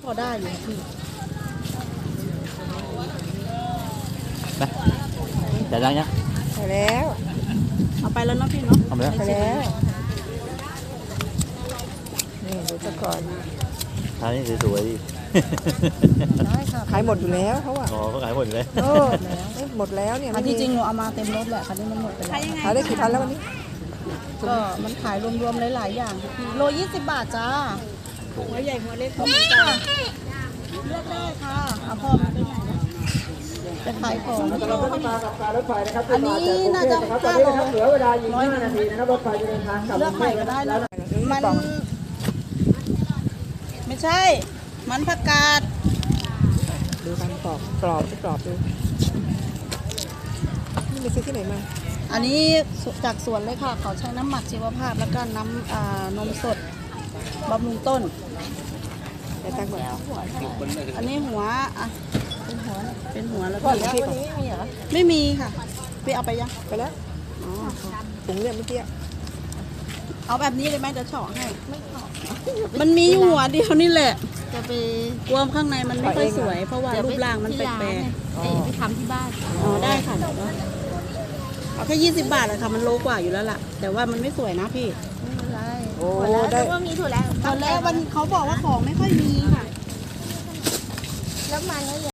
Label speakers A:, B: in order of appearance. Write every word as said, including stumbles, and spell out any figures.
A: อได้อยู่พี่
B: นะจ่ายตังค์ยัง
C: ไปแล้ว
A: เอาไปแล้วเนาะพี่เนาะ
B: เอาไปแล้ว
C: ไปแล้วนี่ดูซะก่อน
B: ทานนี่สวยๆดิ
A: ได้ค่ะ
C: ขายหมดอยู่แล้วเขาอ่ะ
B: อ๋อเขาขายหมดเลย
C: เออหมดแล้วเนี่ย
A: อันที่จริงหนูเอามาเต็มรถแหละคันนี้มันหมดไปแล้ว
C: ขายได้กี่พันแล้ววันนี้
A: ก็มันขายรวมๆหลายๆอย่างค่ะพี่โลยี่สิบบาทจ้าหัวใหญ่หัวเล็กก็มีจ้าเลือกได้ค่ะเอาพ่อมาไปไหนนะจะขายของ
D: เราต้องมากับการรถไฟนะครับ
A: อันนี้น่าจะ
D: ตอน
A: ห้า
D: นี้
A: โล
D: นะครับเหลือเวลาอีกห้านาทีนะครับรถไฟจะเดินทางกลับ
A: เลือกใหม่ก็ได้นะมันไม่ใช่ มันผักกาด
C: ดูการกรอบกรอบที่กรอบดูนี่ไปซื้อที่ไหนมา
A: อันนี้จากสวนเลยค่ะเขาใช้น้ำหมักชีวภาพแล้วก็น้ำอ่านมสดบำรุงต้น
C: แต่ตังค์ก่อน
A: อันนี้หัวอ่ะเป็นหัวเป็นหัวแล้ว
C: ก่
A: ก็
C: อนแล้ววันนี้มีเหรอ
A: ไม่มีค่ะพี่เอาไปยัง
C: ไปแล้ว
A: อ๋อ
C: ถุงเนี่ยเมื่อกี้
A: เอาแบบนี้เลยไหมเดี๋ยวเฉาะให้มันมีอยู่หัวเดียวนี่แหละ
E: จะไป
A: กลัวข้างในมันไม่ค่อยสวย เพราะว่ารูปร่างมันแปลก
E: ๆไปทำที่บ้าน
A: ๆอ๋อได้ค่ะเดี๋ยวนะเอาแค่ยี่สิบบาทเลยค่ะมันโลกว่าอยู่แล้วล่ะ แต่ว่ามันไม่สวยนะพี่
E: ไม่เป็นไร
C: โอ้
E: ถั่วแล้ว
C: ได้
E: นึกว่ามีถั่วแล้ว
A: ตอนแรกวันเขาบอกว่าของไม่ค่อยมีค่ะ
E: แล้วมันก็